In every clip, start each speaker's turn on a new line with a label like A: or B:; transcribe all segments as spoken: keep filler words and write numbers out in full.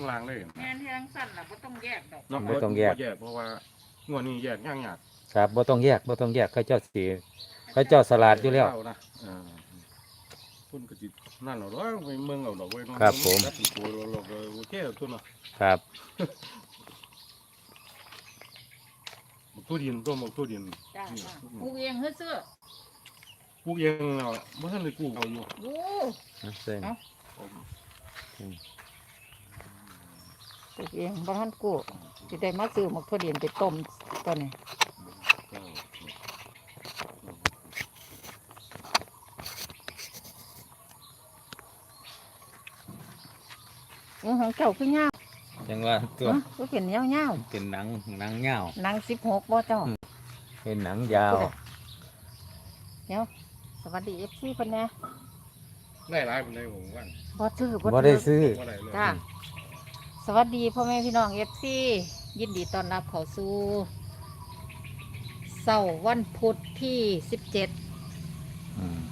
A: รางเลย
B: แม่นทั้งสั้นล่ะบ่ต้องแยกดอก
A: เนาะ
C: บ่ต้องแยก
A: บ่แยกเพราะว่างวดนี้แยกยากยาก
C: ครับบ่ต้องแยกบ่ต้องแยกเขาเจ้าสีเขาเจ้าสลัดอยู่แล้ว
A: นะเออคุณก็สินั่นเอาดอกไปเมืองเอาดอกไว้เนาะ
C: ครับผม
A: จัดตัวเราก็โอเคตัวเนาะ
C: ครับ
A: หมกตัวดินตัวหมกตัวดิน
B: จ้าจ้าปลูกเองเฮ้อซื้อ
A: ปลูกเองเนาะบ่ทันได้ปลูกเอาอยู่
B: โอ้
C: เส้น
B: ปลูกเองบ่ทันกู้สิได้มาซื้อหมกถั่วดินไปต้มตัวนี้อือของเจ้าคือยาว
C: จังว่าตัว
B: เนาะก็เป็นยาว
C: เป็นหนังหนังยาว
B: ๆหนังสิบหกบ่เจ้า
C: เป็นหนังยาว
B: เดี๋ยวสวัสดี เอฟ ซี เพิ่นแหน่
A: ได้หลายปานใดผมว่า
B: บ่ซื้อ
C: บ่ได้ซื้อ
A: บ่ได้เลย
B: จ้าสวัสดีพ่อแม่พี่น้อง เอฟ ซี ยินดีต้อนรับเข้าสู่เสาร์วันพุธที่สิบเจ็ด
C: อืม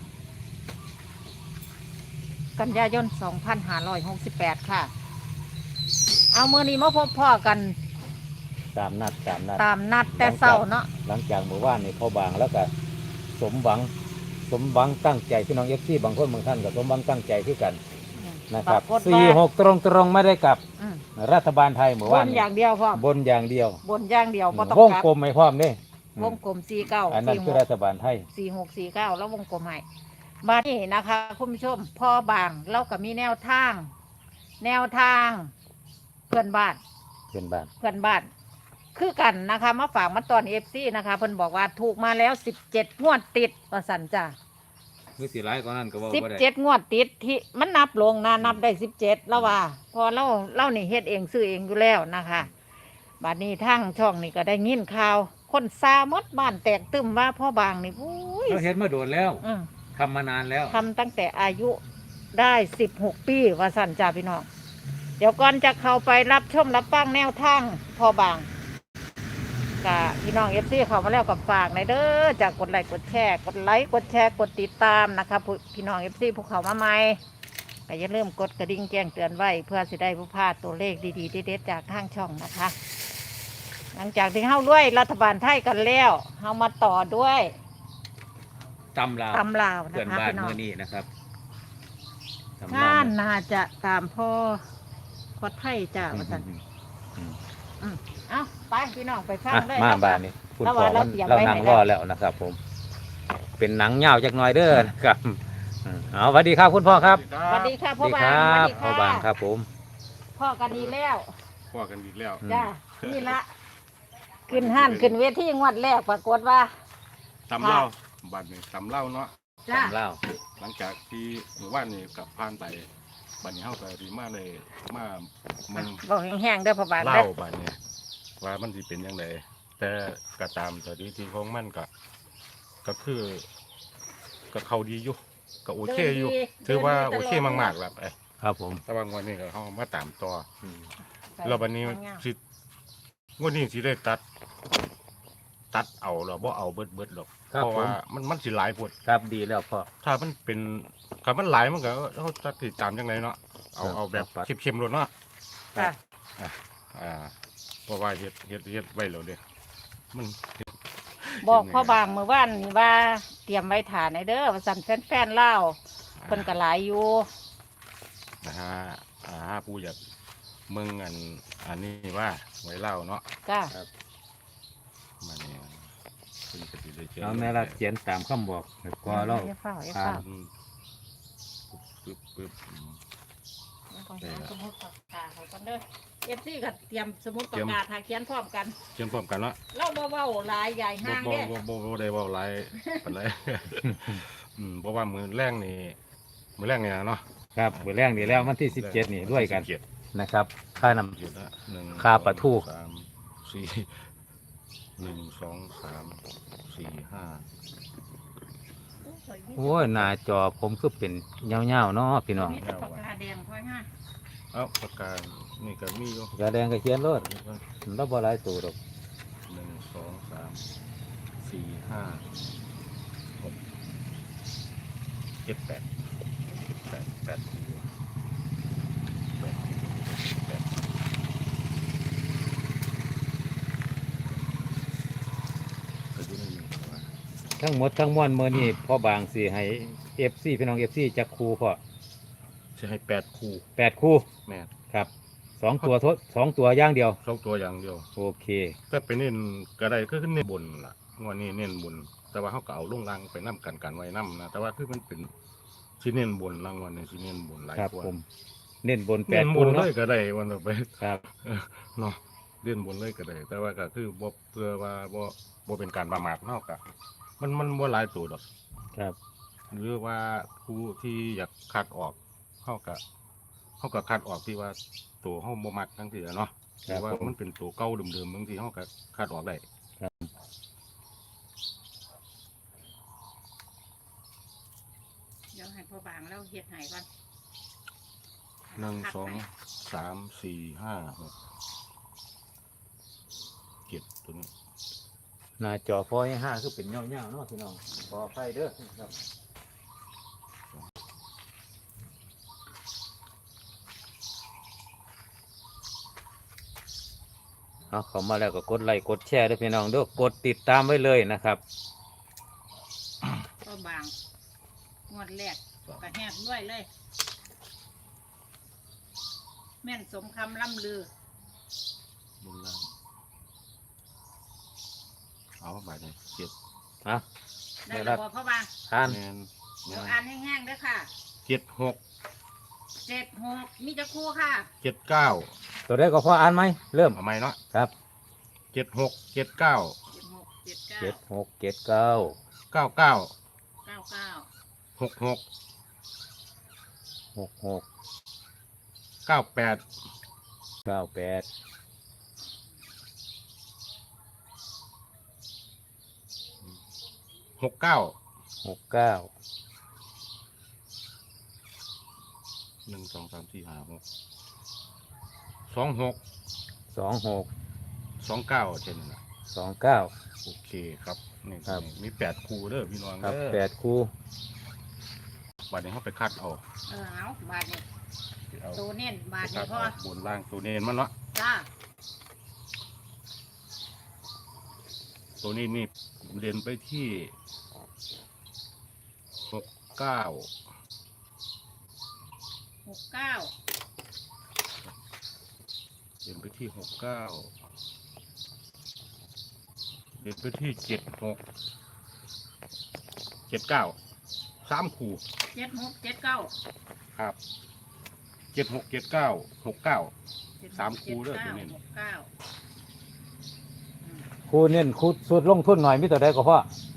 B: กันยายนสองพันห้าร้อยหกสิบแปดค่ะ เอามื้อนี้มาพบพ่อกัน
C: ตามนัดตามนัด
B: ตามนัดแต่เช้าเนาะ
C: หลังจากเมื่อวานนี่พ่อบางแล้วก็สมหวังสมหวังตั้งใจพี่น้องเอฟซีบางคนบางท่านก็สมหวังตั้งใจที่กันนะครับ
B: ปากฏว่า
C: สี่หกตรงตรงๆไม่ได้กลับ
B: อืม
C: รัฐบาลไทยเมื่อบ วาน
B: น
C: นี่
B: อย่างเดียวพ่อบ
C: นอย่างเดียว
B: บนอย่างเดียวบ่ต้อง
C: วง
B: กลับ
C: กลมไม่พร้อมเด้
B: วงกลมสี่เก้า
C: อันนั้น
B: สี่ห
C: คือก รัฐบาลไทย
B: สี่หกสี่เก้าแล้ววงกลมให้บ้านนี้นะคะคุณผู้ชมพ่อบางเราก็มีแนวทาง แนวทาง เพื่อนบ้าน
C: เพื่อนบ้าน
B: เพื่อนบ้าน คือกันนะคะมาฝากมาตอนเอฟซีนะคะเพิ่นบอกว่าถูกมาแล้วสิบเจ็ดงวดติดว่าสันจ้า
C: คือสิร้ายกว่านั้นก็ว่า
B: สิบ
C: บ่ได้
B: เจ็ดงวดติดที่มันนับลงนะนับได้สิบเจ็ดแล้วว่า พอเล่าเล่านี่เฮ็ดเองซื้อเองอยู่แล้วนะคะบัดนี้ทั้งช่องนี่ก็ได้ยินข่าว คนซาหมดบ้านแตกตึมว่าพ่อบางนี่อุ้ย
C: เราเห็นมาโดนแล้ว
B: อืม
C: ทำมานานแล้ว
B: ทำตั้งแต่อายุได้สิบหกปีว่าสันจ้าพี่น้อง เดี๋ยวก่อนจะเข้าไปรับชมรับฟังแนวทางพ่อบางกับพี่น้องเอฟซีเข้ามาแล้วกับฝากในอยเด้อจากกดไลค์กดแชร์กดไลค์กดแชร์กดติดตามนะคะผู้พี่น้องเอฟซีผู้เข้ามาใหม่ก็อย่าลืมกดกระดิ่งแจ้งเตือนไว้เพื่อสิได้ผู้พลาดตัวเลขดีๆเด็ดๆจากทางช่องนะคะ หลังจากที่เข้าด้วยรัฐบาลไทยกันแล้วเข้ามาต่อด้วย
C: ตำลาว
B: ตำลาวนะ
C: เพื่อน
B: คะ
C: บ้าน
B: พี่น้อง
C: เมื่อนี้นะครับตำลว
B: งานน่าจะตามพ่อพอไทยจ้าว่าสัน
C: อืม
B: อืมเอาไปพี่น้องไปฟัง
C: อ่ะ
B: เลย
C: มา
B: ครับ
C: บ้านนี้คุณ
B: แล้ว
C: พ่อ
B: ว่าเรา
C: มัน
B: เตรียม
C: เรา
B: ไว้
C: นั่ง
B: ให้
C: รอ
B: แล้ว
C: แล้วนะครับ ผม เป็นหนังยาวจากหน้อยเด้อนะครับอืมเอาสวัสดีครับคุณพ่อครับ
B: สวัสดีค่ะ
C: ส
B: พ่อ
C: วัสดี
B: บาง
C: ครับ
B: ส
C: พ่อ
B: วัส
C: บาง
B: ดี
C: ค
B: ค่ะ
C: รับผม
B: พ่อกันดีแล้ว
A: พ่อกันอีกแล้ว
C: อืม
B: จ้านี่ละขึ้นห้านขึ้นเวทีงวดแรกปรากฏว่า
A: ตำเล่าบัดนี้ตำเล่าเนาะ
B: จ้า
C: ตำลาว
A: หลังจากที่หมู่บ้านนี่กลับผ่านไปบัดนี้เฮาก็ดีมาเลยมามัน
B: บอกแห้งๆเด้อพ่อบาง
A: เล่า
B: เด้อ
A: บัดนี้ว่ามันสิเป็นจังไดแต่ก็ตามสถิติของมันก็ก็คือก็เข้าดีอยู่ก็โอเคอยู่ถือว่าโอเคมากๆแล้วไอ้
C: ครับผม
A: แต่ว่างวันนี้ก็เฮามาตามต่อ
C: อืม
A: แล้วบัดนี้สิงวดนี้สิได้ตัด ตัดเอาหรอบ่เอาเบิดเบิดหรอก
C: ครับ
A: เพราะ
C: ผม
A: ว่ามันมันสิหลายพด
C: ครับดีแล้วพ่อ
A: ถ้ามันเป็นถ้ามันหลายมันก็เขาจะติดตามจังไงเนาะเอา
C: ครับ
A: เอาแบบ
C: ครับ
A: เข้มๆเลยเนาะ
B: จ้า
A: อ่าเพราะว่าเฮ็ดเฮ็ดเฮ็ดไว้แล้วเด้มัน
B: บอกพ่อบางเมื่อวานนี่ว่าเตรียมไว้ฐานในเด้อว่าสั่นแฟนๆเล่าเพิ่นก็หลายอยู่
A: นะฮะอ่าผู้อยากเมืองอันอันนี้ว่าไว้เล่าเนาะ
B: จ้า
A: มาเนี่ยเพิ่นก็สิได้เจอ
C: เอาแม่ละเขียนตามคำบอกก็เรา
B: อย่าเฝ้าอย่า
C: ครั
B: เฝ้า
C: บ
A: อืมปึ๊บปึ๊บอืม
B: ต้องหาสมุดปากกาเขากันเด้อเอฟซีก็เตรียมสมุดปากกาถ่ายเขียนพร้อมกัน
A: เชื่อมพร้อมกันเนาะ
B: เล่าเบาๆหลายใหญ่
A: บ่
B: ห้าง
A: บ่
B: เด้
A: บ่บ่บ่ได้เว้าหลายปานใด อืมเพราะว่ามือแรงนี่มือแรงเนี่ยเนาะ
C: ครับเบอร์แรกนี่แล้ววันที่สิบเจ็ดนี่ด้วยกัน
A: สิบเจ็ด
C: นะครับค่านำ
A: หยุดละหนึ่ง
C: ค่าปลาทู
A: สองสามสี่หนึ่งสองสามสี่ห้า
C: โอ้ยหน้าจอผมคือเป็นเงาๆเนาะพี่น้อง
B: มีแต่ปากกาแดงค่อยง่าย
A: เอ้าปากกานี่ก็มีอยู่
C: กระแดงก็เขียนรถเราบ่หลายตัวดอก
A: หนึ่งสองสามสี่ห้าหกเจ็ดแปดแปดแปดแปดแปด
C: ทั้งหมดทั้งมวลมื้อนี้พ่อบางสิให้ เอฟ ซี พี่น้อง เอฟ ซี จักคู่พ่อ
A: จะให้แปดคู่
C: แปดคู่
A: แม่น
C: ครับสองตัวทดสองตัวอย่างเดียว
A: สองตัวอย่างเดียว
C: โอเค
A: แต่ไปเน้นก็ได้ก็คือเน้นบนล่ะงวดนี้เน้นบน แต่ว่าเขาก็เอาลงล่างไปนํกันกันไว้นํนะแต่ว่าคือมันเป็นสิเน้นบนรางวัลนี่สิเน้นบนหลาย
C: ครับ
A: กว่า
C: ผม เน้นบนแป
A: เน้
C: ด
A: นบ
C: คู่
A: นเล
C: เนาะ
A: ยก็ได้วันต่อไป
C: ครับ
A: เนาะเล่นบนเลยก็ได้ แต่ว่าก็คือบ่เพื่อว่าบ่บ่เป็นการประมาทเฮากะมันมันบ่หลายตัวดอก
C: ครับ
A: หรือว่าผู้ที่อยากคัดออกเฮากะเฮาก็คัดออกที่ว่าตัวเฮาบ่มักทั้งทีอะเนาะห
C: ครั
A: รื
C: บ
A: อว่า
C: ผม
A: มันเป็นตัวเก่าเดิมๆบางทีเฮาก็คัดออกได้
B: เดี๋ยวให้พ่อบางแล้วเฮ็ดให้ก่อน
A: หนึ่ง สอง สาม สี่ ห้า หก เจ็ดตัวนี้
C: หน้าจอพอให้ห้าคือเป็นเงาๆเนาะพี่น้องขออภัยเด้อครับเอาเข้ามาแล้วก็กดไลค์กดแชร์ด้วยพี่น้องเด้อกดติดตามไว้เลยนะครับ
B: พ่อบางงวดแรกก็แฮกด้วยเลย แม่นสมคำล่ำลือบ
A: นล่างเอาบาดนี้เจ็ด
C: อ่ะ
B: ได้แล้วบ่พ่อบาง
C: ทาน
A: แมนแม
B: เดี๋ยวน อ่านแห้งๆเด้อค่ะ
A: เจ็ดหก
B: เจ็ดหกมีจะคู่ค่ะ
A: เจ็ดเก้า
C: ตัวได้ก็พออ่านไหมเริ่ม
A: เอาไหมเนาะ
C: ครับ
A: เจ็ดหกเจ็ดเก้า
B: เจ็ดหกเจ็ดเก้า
C: เจ็ดหกเจ็ดเก้า
A: เก้าเก้า
B: เก้าเก้า
A: หกหก
C: หกหก
A: เก้าแปด
C: เก้าแปด
A: หกเก้า
C: หกเก้า
A: หนึ่งสองสามสี่ห้าหกสองหก
C: สองหก
A: สองเก้าเช่นนั้นนะ
C: สองเก้า
A: โอเคครับนี่
C: ครับ
A: มีแปดคู่เด้อพี่น้อง
C: ครับ
A: เด้อ
C: แปดคู่
A: บัดนี้เขาไปคัดเอา
B: เออเอาบาทนี่
A: เอา
B: ตัวเน้นบาท
A: คั
B: นี่
A: ด
B: พ่อ
A: เอาบนล่างตัวเนนมันเนาะ
B: จ้า
A: ตัวนี้นี่เด่นไปที่หกเก้า
B: หกเก้า
A: เด่นไปที่หกเก้าเด่นไปที่เจ็ดหกเจ็ดเก้าสามคู่
B: เจ็ดหกเจ็ดเก้า
A: ครับเจ็ดหกเจ็ดเก้าหกเก้า สามคู่เด้อตัวเน้น
B: หกเก้า
C: คู่เน้นคู่สุดลงทุนหน่อยมีตัวได้ก็พอ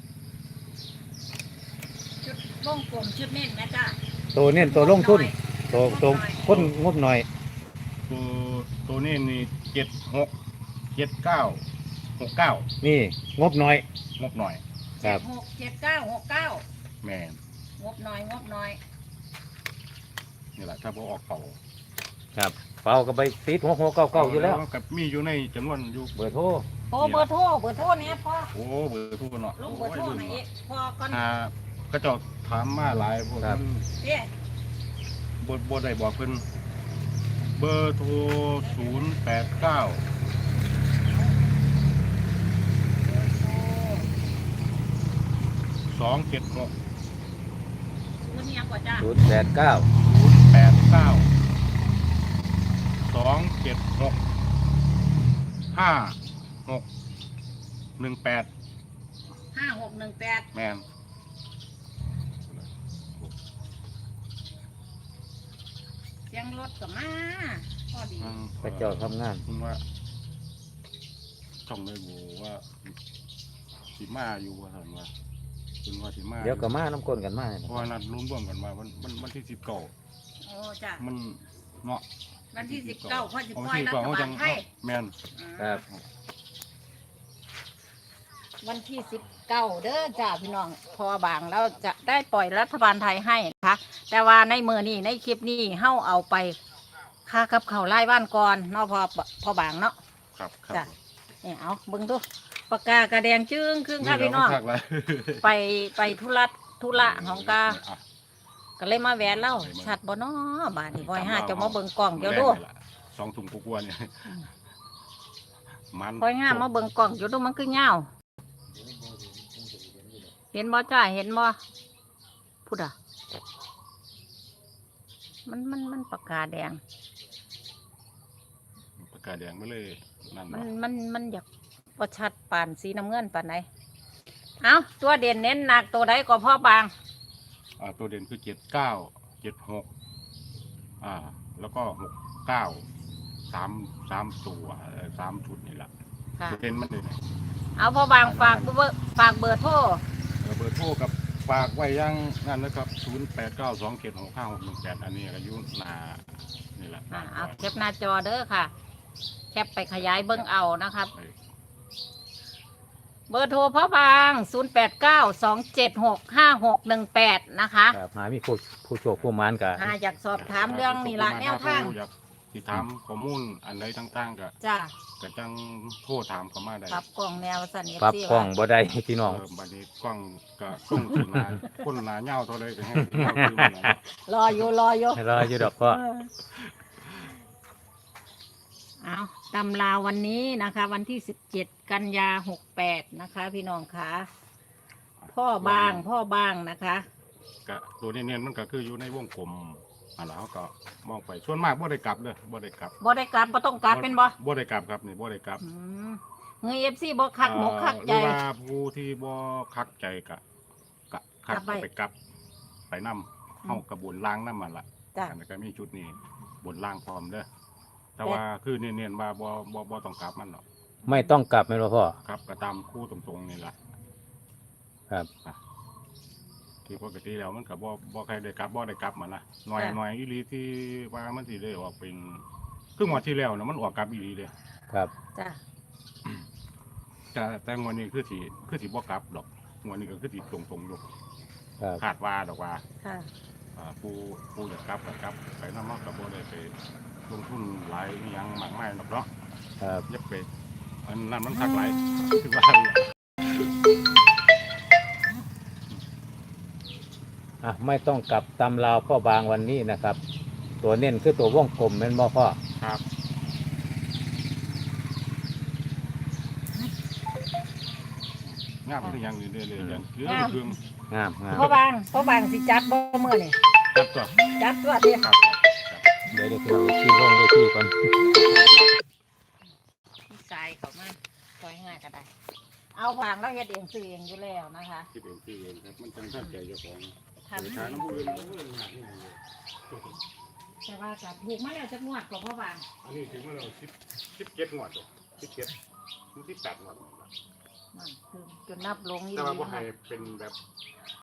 B: ชุดวงกลมชุดเน้นนะจ้า
C: ตัวเน้นตัวลงทุนตัวตัวคนงบหน่อย
A: ตัวตัวนี้นี่เจ็ดหกเจ็ดเก้าหกเก้า
C: นี่งบหน่อย
A: งบหน่อย
C: ครับ
B: หกเจ็ดเก้าหกเก้า
A: แม่น
B: งบน้อยงบน้อย
A: นี่แหละถ้าพอออกเป่า
C: ครับเป่าก็ไปติดหกหกเก้าเก้าอยู่แล้ว
A: กับมีอยู่ในจำนวนอยู่
C: เบอร์โทร
B: โอ้เบอร์โทรเบอร์โทรเนี่ยพ่อ
A: โอ้เบอร์ทุกคนเนาะ
B: ลงเบอร์โทรไหนอยพอก่อน
A: อ่าก็จะถามมาหลายพวก
C: ครับ
B: เอ๊ะ
A: บทบทใดบอกเพิ่นเบอร์โทรศูนย์แปดเก้าสองเจ็ดหก
B: ศูนย์ยังกว่าจ้า
C: ศูนย์แปดเก้า
A: ศูนย์แปดเก้าสองเจ็ดหกห้าหกหนึ่งแปด
B: ห้าหกหนึ่งแปด
A: แมน
B: เสียงรถก็มาพอดี
C: พระเจ้าทำงาน
A: คุณว่าช่องเลยบูว่าสีมาอยู่ว่าท่านว่าคุณว่าสีมา
C: เดี๋ยวก็มาน้ำก้นกันมา
A: เพราะว่านัดรุ่นร่วมกันมาวันวันวันที่สิบเก้า
B: โอ้จ้า
A: มันเนาะ
B: วันที่สิบเก้าพ่อจะ
A: เอา
B: ปล่อย
A: ที่
B: รั
A: ก่อน
B: ฐ
A: เขา
B: บา
A: จั
B: ล
A: ง
B: ไทย
A: แมน
C: ครับ
B: วันที่สิบเก้าเด้อจ้าพี่น้องพอบางแล้วจะได้ปล่อยรัฐบาลไทยให้นะคะแต่ว่าในมือนี้ในคลิปนี้เฮาเอาไปค่ากับเขาวไล่บ้านก่อนเนาะพอพอบางเนาะ
A: ครับครั
B: จ้ะ
A: บ
B: เนี่ยเอาเบิ่งดูปากกากระแดงจึ้งครึ่งค่ะพี่น้อง
A: เดี๋ยวมัคักเลย
B: ไปไปธุระธุระของกา
A: อ่ะ
B: ก็เลยมาแวะเล่าชัดบ่เนาะบาดนี้บ่อยห้าจะมาเบิ่งกล้องเดี๋ยวดู
A: แรงนี่ล่ะสองถุงกลัวาๆเนี่ยมัน
B: บ่อยห้ามาเบิ่งกล้องเดี๋ยวดูมันคือเงาวเห็นบ่จ้าเห็นบ่พูดอ่ะมันมันมันปากกาแดง
A: ปากกาแดงไม่เลยนั่น
B: มัน
A: เนาะ
B: มันมันอยากประชัดปานสีน้ำเงินปานไหนเอาตัวเด่นเน้นหนักตัวใดก็พ่อบาง
A: อ่าตัวเด่นคือเจ็ดเก้าเจ็ดหกอ่า แล้วก็หกเก้าสามสามตัวเอ่อสามชุดนี่แหละ
B: ค่ะ
A: เด่นมันเลย
B: เอาพ่อบางฝากเบอร์ฝากเบอร์โทร
A: เออเบอร์โทรกับฝากไว้ยังนั่นนะครับศูนย์แปดเก้าสองเจ็ดหกห้าหกหนึ่งแปดอันนี้อายุนานี่แหละ
B: อ่าเอาแคปหน้าจอเด้อค่ะ แคปไปขยายเบิ้งเอานะครับ
A: เออ
B: เบอร์โทรพ่อบางศูนย์แปดเก้าสองเจ็ดหกห้าหกหนึ่งแปดนะคะ
C: ครับหามีผู้ผู้โชคผู้หมานกับ
B: หาอยากสอบถามเรื่องนี่ละแนวทาง
A: อยากที่ถามข้อมูลอันใดต่างๆก็
B: จ้า
A: ก็จังโทรถามเข้ามาได้
B: ปรับกล่องแนวสันเอฟ
C: ปรับ
B: ซี
C: กล้องบ่ได้พี่น้อง
A: เออบัดนี้กล้องก็ส่งถึงหนาคนหนาเงาเท่าไรก็ให้เงาคือมันนะ
B: รออยู่รออยู่
C: รออยู่ดอกพ่อ
B: เอาตำราวันนี้นะคะ วันที่สิบเจ็ดกันยาหกแปดนะคะ พี่น้องคะพ่อบางพ่อบางนะคะ
A: ก็ตัวนี้เนี่ยมันก็คืออยู่ในวงกลมอันแล้วก็มองไปส่วนมากบ่ได้กลับเลยบ่ได้กลับ
B: บ่ได้กลับบ่ต้องกลับเป็นบ่
A: บ่ได้กลับครับนี่บ่ได้กลับ
B: อืมเงยเอฟซีบ่คักหมกคัก
A: ห
B: ใจ
A: รือว่าผู้ที่บ่คักใจก็ก็คัก
B: กลับไป
A: ไปกลับ ไปนํเฮากระบวนล้างน้ำมันล่ะ
B: จ้ะ
A: อันนั้นก็มีชุดนี้บนล่างพร้อมเด้อแต่ว่าคือเนียนๆว่าบ่บ่บ่ต้องกลับมันหรอก
C: ไม่ต้องกลับแม่นบ่พ่อ
A: ครับก็ตามคู่ตรงๆนี่ล่ะ
C: ครับ
A: ที่ปกติแล้วมันก็บ่บ่ใครได้กลับบ่ได้กลับมันนะหน่อยหน่อยอีหลีที่ว่ามันสิได้ออกเป็นครึ่งวันที่แล้วนะมันออกกลับอีหลีเลย
C: ครับ
B: จ้ะ
A: แต่แต่งวดนี้คือสิคือสิบ่กลับดอกงวดนี้ก็คือสิตรงๆอยู่
C: ครับ
A: คาดว่าดอกว่า
B: ค่ะ
A: อ่าผู้ผู้จะกลับก็กลับไปนำเนาะก็บ่ได้ไปลงทุนหลายอิหยังมากมายดอกเนาะ
C: ครับ
A: อย่าไปอันนั้นมันคักหลายคือว่า
C: อ่ะไม่ต้องกลับตำราวพ่อบางวันนี้นะครับ ตัวเน้นคือตัววงกลมแม่นบ่พ่อ
A: ครับงามคือหยังนี่เรื่อยๆอย่างเหลือเครื่อง
C: งามงาม
B: พ่อบางพ่อบางสิจัดบ่มื้อนี่
A: ครับตัว
B: จัดตัวเดียว
A: ครับครับ
C: เดี๋ยวเดี๋ยวพี่น้องที่ลงเวทีก่อน
B: พี่สายเขามาซอยง่ายก็ได้ เอาวางแล้วเฮ็ดเองซื้อเองอยู่แล้วนะคะ
A: คิดเองคิดเองครับมันจังท่านใจเจ้าของ
B: ทำ
A: ไป
B: ให้
A: ทานน้ำมือน้ำมือหนักนี่เลย
B: แต่ว่าก็ถูกมาแล้วจักงวดก็พ่อบาง
A: อันนี้ถึงว่าเราสิบสิบเจ็ดงวดเลยสิบเจ็ดถึงสิบแปดงวด
B: นั่นคือจนนับลงอีก
A: แต่ว่าบ่ให้เป็นแบบ